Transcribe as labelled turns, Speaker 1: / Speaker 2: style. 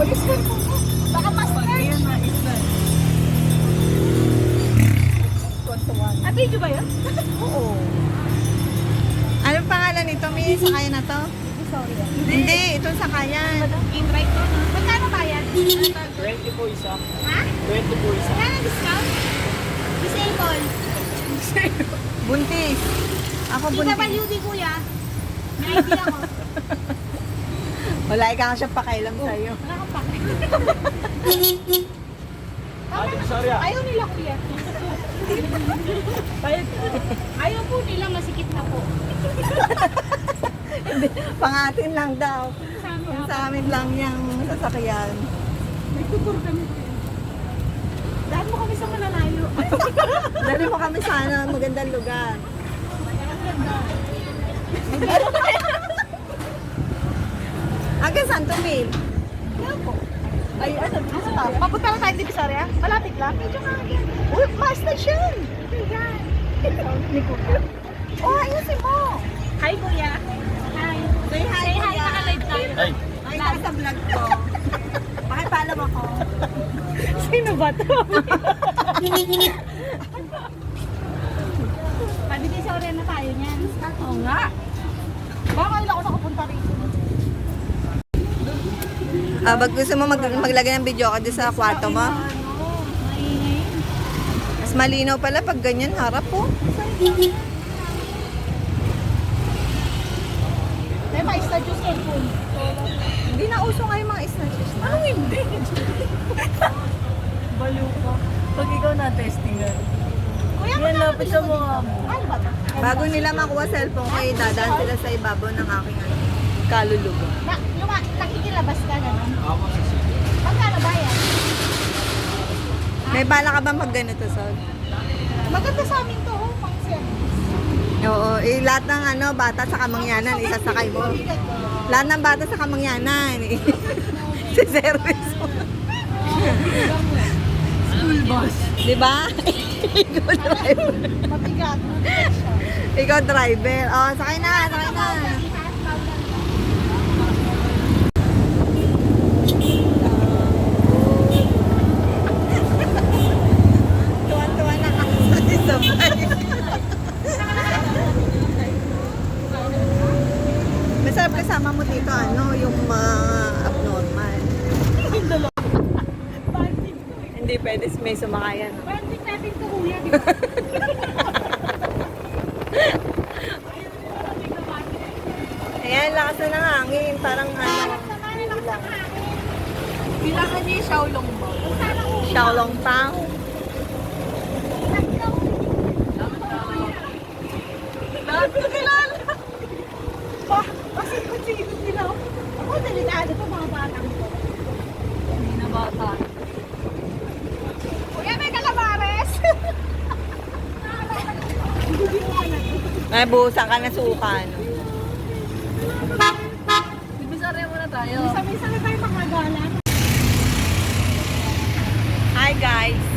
Speaker 1: Walis ko po. Baka master.
Speaker 2: Ayan na, isa.
Speaker 1: Ah, video ba yun?
Speaker 2: Oo. Anong pangalan nito, Miss? Sakayan na to?
Speaker 1: Sorry.
Speaker 2: Hindi, itong sakayan.
Speaker 1: In-right ko. Magkano ba yan?
Speaker 3: 20 po isa.
Speaker 1: Ha?
Speaker 3: 20 po isa.
Speaker 1: Kaya discount? Disable.
Speaker 2: Buntis. Ako buntis.
Speaker 1: PWD kuya. May idea ko.
Speaker 2: Wala, ikaw siya pakailam sa'yo.
Speaker 1: Wala kang pake.
Speaker 3: Ate Visoria.
Speaker 1: Ayaw nila kuya. Ayaw po nila, masikip na po.
Speaker 2: Pangatin lang daw.
Speaker 1: Sama.
Speaker 2: Yung sa amin lang yung sasakyan.
Speaker 1: May tutor kami. Daan mo kami sa malalayo.
Speaker 2: Dali mo kami sana, magandang lugar. Hanggang Santo Mil.
Speaker 1: Yan po.
Speaker 2: Ay, ano?
Speaker 1: Papunta na tayo sa Divisoria? Malapit lang? Medyo kagad.
Speaker 2: Uy, master siya.
Speaker 1: Yan.
Speaker 2: Ni Kuya.
Speaker 1: Oh, ayusin mo. Hi kuya. Hi.
Speaker 2: Say hi,
Speaker 1: Say hi,
Speaker 2: Kuya.
Speaker 1: naka-live tayo.
Speaker 3: Ay,
Speaker 2: Ay, nasa vlog ko. Pakipaalam ako.
Speaker 1: Sino ba to? Divisoria na tayo niyan. Oo nga. Baka kailan ako nakapunta rito.
Speaker 2: Pag gusto mo maglagay ng video ka doon sa kwarto mo,
Speaker 1: Maingay.
Speaker 2: mas malinaw pala pag ganyan harap po.
Speaker 1: May ma-start yung cellphone.
Speaker 2: Hindi na uso nga yung mga snatches na.
Speaker 1: Ano hindi?
Speaker 2: Baliw ka. Pag ikaw na-testingan.
Speaker 1: Kuya,
Speaker 2: Yan,
Speaker 1: magkano
Speaker 2: lapit sa
Speaker 1: dito?
Speaker 2: mukha mo.
Speaker 1: Ano ba ito?
Speaker 2: Bago nila makuha cellphone ko, dadaan sila sa ibabaw ng aking kaluluga.
Speaker 1: Nakikilabas ka na nun?
Speaker 3: ako sa city.
Speaker 1: Magkano ba yan?
Speaker 2: May bala ka bang pag ganito, Sol?
Speaker 1: Maganda sa amin to, oh, pang service.
Speaker 2: Oo, lahat ng bata sa kamangyanan, isasakay mo. Lahat ng bata sa kamangyanan, si service mo. School bus. Di ba? Ikaw driver.
Speaker 1: Mabigat.
Speaker 2: Ikaw driver. Oh, sakay na, sakay na. Tuwan-tuwa na ako sa sabay. Masarap kasama mo dito, yung abnormal. Hindi pwede may sumakayan.
Speaker 1: Banding natin to, kuya. Di ba?
Speaker 2: Ayan, lakas na ng hangin. Parang
Speaker 1: Bilangan niya yung Xiaolong mo.
Speaker 2: Xiaolong Pang.
Speaker 1: Lahat ko kilala. Kasi kung sino sila. Ako, delikado to mga batang to.
Speaker 2: Hindi na bata.
Speaker 1: Kuya, may calamares.
Speaker 2: Ay, buhusan ka na sukan.
Speaker 1: Divisoria muna tayo. Sabi-sabi tayo makagala.
Speaker 2: Hi guys!